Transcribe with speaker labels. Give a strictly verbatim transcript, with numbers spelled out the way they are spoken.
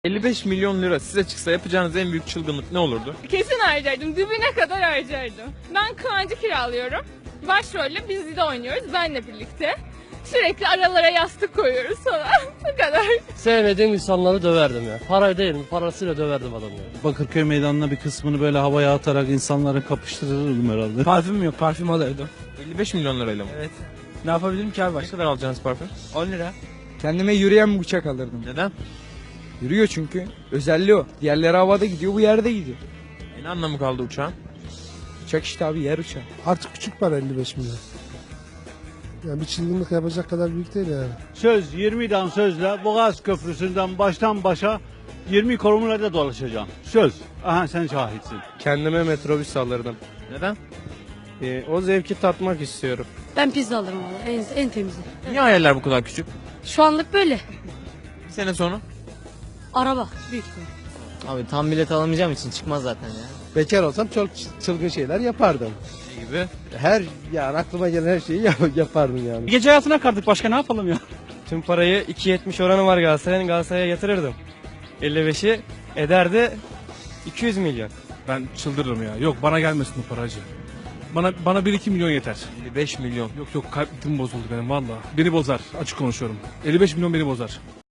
Speaker 1: elli beş milyon lira size çıksa yapacağınız en büyük çılgınlık ne olurdu?
Speaker 2: Kesin harcardım. Dibine kadar harcardım. Ben Kıvancı kiralıyorum. Başrolle biz de oynuyoruz benle birlikte. Sürekli aralara yastık koyuyoruz falan. Bu kadar.
Speaker 3: Sevmediğim insanları döverdim ya. Para değil mi? Parasıyla döverdim adamı ya.
Speaker 4: Bakırköy meydanına bir kısmını böyle havaya atarak insanları kapıştırırdım herhalde.
Speaker 5: Parfüm yok, parfüm alırdım.
Speaker 1: elli beş milyon lirayla mı?
Speaker 5: Evet. Ne yapabilirim ki abi
Speaker 1: Ne
Speaker 5: başka?
Speaker 1: kadar alacaksınız parfüm?
Speaker 5: on lira.
Speaker 6: Kendime yürüyen bir uçak alırdım.
Speaker 1: Neden?
Speaker 6: Yürüyor çünkü. Özelliği o. Diğerleri havada gidiyor, bu yerde gidiyor.
Speaker 1: E ne anlamı kaldı uçağın?
Speaker 6: Uçak işte abi, yer uçağı.
Speaker 7: Artık küçük para elli beş milyon. Yani bir çılgınlık yapacak kadar büyük değil yani.
Speaker 4: Söz yirmi dan sözle Boğaz Köprüsü'nden baştan başa yirmi kilometrede dolaşacağım. Söz. Aha sen şahitsin.
Speaker 8: Kendime metrobüs alırdım.
Speaker 1: Neden?
Speaker 8: Ee, o zevki tatmak istiyorum.
Speaker 9: Ben pizza alırım valla en, en temizi.
Speaker 1: Niye hayaller bu kadar küçük?
Speaker 9: Şu anlık böyle.
Speaker 1: Bir sene sonra?
Speaker 9: Araba büyük ihtimal.
Speaker 10: Abi tam bilet alamayacağım için çıkmaz zaten ya.
Speaker 8: Bekar olsam çok çılgın şeyler yapardım.
Speaker 1: Ne gibi?
Speaker 8: Her yani aklıma gelen her şeyi yap- yapardım yani.
Speaker 4: Gece hayatına kardık başka ne yapalım ya?
Speaker 8: Tüm parayı iki yetmiş oranı var Galatasaray'ın, Galatasaray'a yatırırdım. elli beşi ederdi iki yüz milyon.
Speaker 5: Ben çıldırırım ya. Yok bana gelmesin bu paracı. Bana bana bir iki milyon yeter.
Speaker 1: elli beş milyon.
Speaker 5: Yok yok kalbim bozuldu benim valla. Beni bozar. Açık konuşuyorum. elli beş milyon beni bozar.